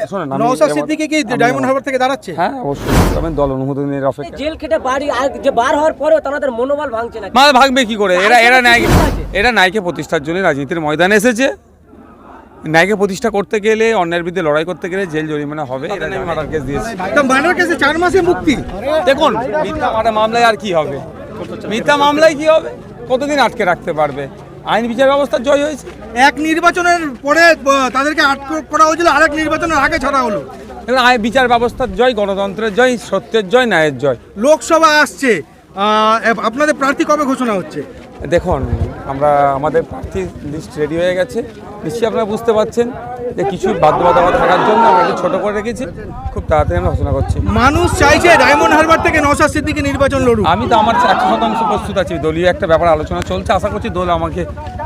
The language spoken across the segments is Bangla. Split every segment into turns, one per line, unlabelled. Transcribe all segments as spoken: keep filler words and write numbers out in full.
নওশাদ সিদ্দিকী কি ডায়মন্ড হারবার থেকে দাঁড়াচ্ছে?
হ্যাঁ অবশ্যই, তবে দল অনুমোদনের অপেক্ষা।
জেল খেটে বাড়ি আর যে বার হওয়ার পরেও তাদের মনোবল ভাঙছে না।
মানে ভাঙবে কি করে? এরা এরা ন্যায় এরা ন্যায়কে প্রতিষ্ঠার জন্য রাজনীতির ময়দানে এসেছে। ন্যায়কে প্রতিষ্ঠা করতে গেলে, অন্যায়ের বিরুদ্ধে লড়াই করতে গেলে জেল জরিমানা হবে। এরা মার্ডার কেস দিয়েছে।
মার্ডার কেসে চার মাসে মুক্তি।
দেখুন মিথ্যা মার্ডার মামলায় আর কি হবে? মিথ্যা মামলায় কি হবে? কতদিন আটকে রাখতে পারবে? আইন বিচার ব্যবস্থা জয় হয়েছে।
এক নির্বাচনের পরে তাদেরকে আটক করা হয়েছিল, আরেক নির্বাচনের আগে ছাড়া হলো।
আইন বিচার ব্যবস্থার জয়, গণতন্ত্রের জয়, সত্যের জয়, ন্যায়ের জয়।
লোকসভা আসছে, আপনাদের প্রার্থী কবে ঘোষণা হচ্ছে?
দেখুন আমরা আমাদের প্রার্থী লিস্ট রেডি হয়ে গেছে। নিশ্চয়ই আপনারা বুঝতে পারছেন যে কিছু বাধ্যবাধকতা থাকার জন্য আমরা একটু ছোটো করে রেখেছি। খুব তাড়াতাড়ি আমরা ঘোষণা করছি।
মানুষ চাইছে ডায়মন্ড হারবার থেকে নওশাদ সিদ্দিকী নির্বাচন লড়ুক।
আমি তো আমার একশো শতাংশ প্রস্তুত আছি। দলীয় একটা ব্যাপার আলোচনা চলছে, আশা করছি দল আমাকে।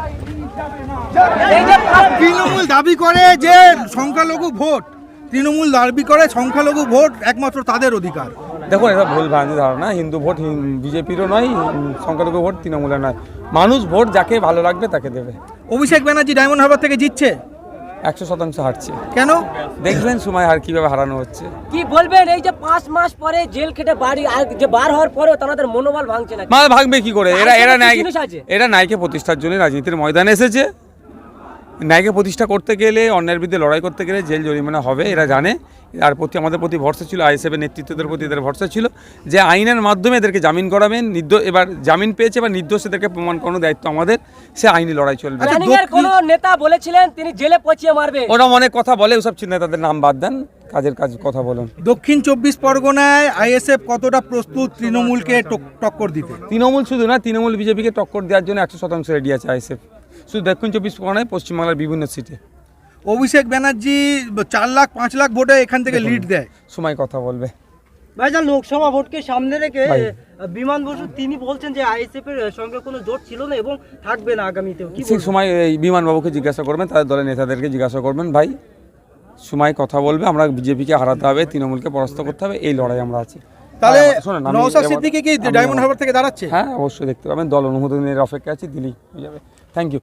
তৃণমূল দাবি করে যে সংখ্যালঘু ভোট, তৃণমূল দাবি করে সংখ্যালঘু ভোট একমাত্র তাদের অধিকার।
দেখুন এটা ভুল ভ্রান্তি ধারণা। হিন্দু ভোট বিজেপিরও নয়, সংখ্যালঘু ভোট তৃণমূলের নয়। মানুষ ভোট যাকে ভালো লাগবে তাকে দেবে।
অভিষেক ব্যানার্জি ডায়মন্ড হারবার থেকে জিতছে,
একশো শতাংশ হারছে।
কেন
দেখবেন সময় আর কিভাবে হারানো হচ্ছে।
কি বলবেন এই যে পাঁচ মাস পরে জেল খেটে বাড়ি আর যে বার হওয়ার পরেও তাদের মনোবল ভাঙছে না?
মানে ভাঙবে কি করে? এরা এরা ন্যায় এরা ন্যায়কে প্রতিষ্ঠার জন্য রাজনীতির ময়দানে এসেছে। ন্যায়কে প্রতিষ্ঠা করতে গেলে, অন্যায়ের বিরুদ্ধে লড়াই করতে গেলে জেল জরিমানা হবে। এরা জানে। আর প্রতি আমাদের প্রতি ভরসা ছিল, আইএসএফের নেতৃত্বদের প্রতি এদের ভরসা ছিল যে আইনের মাধ্যমে এদেরকে জামিন করাবেন। নির্দোষ এবার জামিন পেয়েছে, এবার নির্দোষ এদেরকে প্রমাণ করানোর দায়িত্ব আমাদের। সে আইনি লড়াই চলবে।
কোন নেতা বলেছিলেন তিনি জেলে পচিয়ে মারবে।
ওরা অনেক কথা বলে, ওসব চিন্তা তাদের নাম বাদ দেন, কাজের কাজ কথা বলুন।
দক্ষিণ চব্বিশ পরগনায় আইএসএফ কতটা প্রস্তুত তৃণমূলকে টক্কর দিতে?
তৃণমূল শুধু না, তৃণমূল বিজেপিকে টক্কর দেওয়ার জন্য একশো শতাংশ রেডি আছে আইএসএফ। শুধু দক্ষিণ চব্বিশ পরগনায়, পশ্চিমবাংলার বিভিন্ন সিটে।
অভিষেক ব্যানার্জি চার লাখ পাঁচ লাখ ভোটে এখান থেকে লিড দেয়।
সময় কথা বলবে।
ভাইজান লোকসভা ভোটকে সামনে রেখে বিমান বসু তিনি বলছেন যে আইএসএফ এর সঙ্গে কোনো জোট ছিল না এবং থাকবে না আগামীতেও। কি
ঠিক সময় এই বিমান বাবুকে জিজ্ঞাসা করবেন, তাদের দলের নেতাদেরকে জিজ্ঞাসা করবেন। ভাই সময় কথা বলবে। আমরা বিজেপিকে হারাতে হবে, তৃণমূলকে পরাস্ত করতে হবে, এই লড়াই আমরা আছি।
তাহলে নওশাদ সিদ্দিকী কি ডায়মন্ড হারবার থেকে দাঁড়াচ্ছে?
হ্যাঁ অবশ্যই, দেখতে পাবেন। দল অনুমোদনের অপেক্ষা আছে, দিলেই হয়ে যাবে। Thank you.